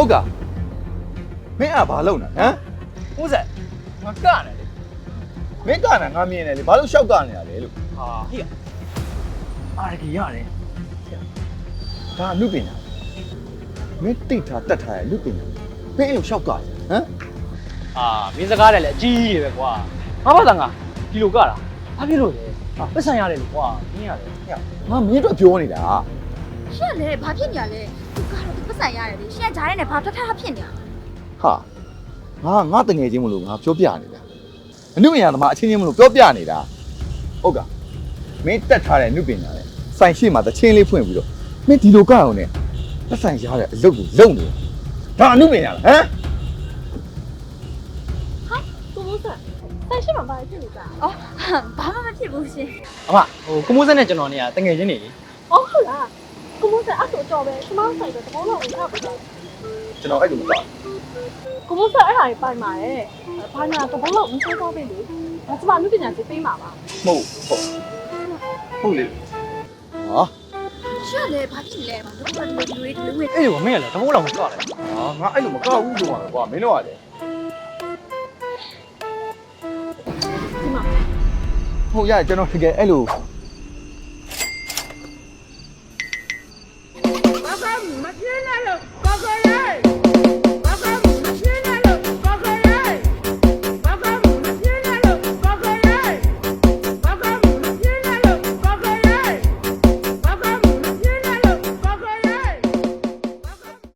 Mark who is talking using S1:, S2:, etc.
S1: ဟုတ်ကမင်းကဘာလုပ်နေဟမ်
S2: ဦးဆက်ငါကနေလေ
S1: မင်းကနာငါမြင်တယ်လေဘာလို့ရှောက်ကနေရလဲလို့
S2: ဟာဟိရအာရကြီးရတယ်
S1: ဒါအမှုပညာမင်းတိတ်ထားတတ်ထားရအမှုပညာမင်းအဲ့လိုရှောက်ကဟမ်
S2: အာမင်းစကားတယ်လေအကြီးကြီးပဲကွာငါဘာသာငါဒီလိုကတာဘာဖြစ်လို့လဲပတ်စံရတယ်လို့ကွာမင်းရတယ်
S1: ငါမင်းတို့ပြောနေတာ
S3: ရှင့်လေဘာဖြစ်နေရလဲသူကတော့သူပတ်ဆိုင်ရတယ်လေရှင့်ကဂျားရဲနဲ့ဘာထထဖြစ်နေရ
S1: ဟာငါတငယ်ချင်းမလို့ငါပြောပြနေတာအမှုပညာသမားအချင်းချင်းမလို့ပြောပြနေတာဟုတ်ကမင်းတက်ထားတဲ့အမှုပညာလေဆိုင်ရှိမှတချင်းလေးဖွင့်ပြီးတော့မင်းဒီလိုကအောင်နဲ့သက်ဆိုင်ရတဲ့အလုပ်ကိုလုပ်နေဒါအမှုပညာလားဟမ်
S3: ကိုမိုးဆက်ဆိုင်ရှိမှာဘာဖြစ်နေကြအော်ဘာမှမဖြစ်ဘူးရှင်
S2: အမဟိုကိုမိုးဆက်နဲ့ကျွန်တော်နေရတငယ်ချင်းနေလေ
S4: အော်ဟုတ်လားကိုမိုးဆက်အဲ့ဆိုတော့ပဲကျမဆိုင်တော့တဘောလုံးဝင်ထားပြီတော့
S1: ကျွန်တော်အဲ့လိုမတော်
S4: ကိုမိုးဆက်အဲ့ဟာကြီးပိုင်ပါတယ်ဘာညာတဘောလုံးဝင်ထားတော့ပြီလေဒါကျမလူပညာသိပေးမှာပါ
S1: ဟုတ်လေဟာ
S3: ရှင့်လေဘာဖြစ်လဲဘာလို့ဒီလိုဝင်
S2: အေးကွာမင်းကလည်းတဘိုးလောင်ကြွတယ်
S1: ငါအဲ့လိုမကောက်ဘူးလို့ပါကွာမင်းတို့ကလေ
S4: ဒီမှာ
S1: ဟုတ်ရကျွန်တော်တကယ်အဲ့လို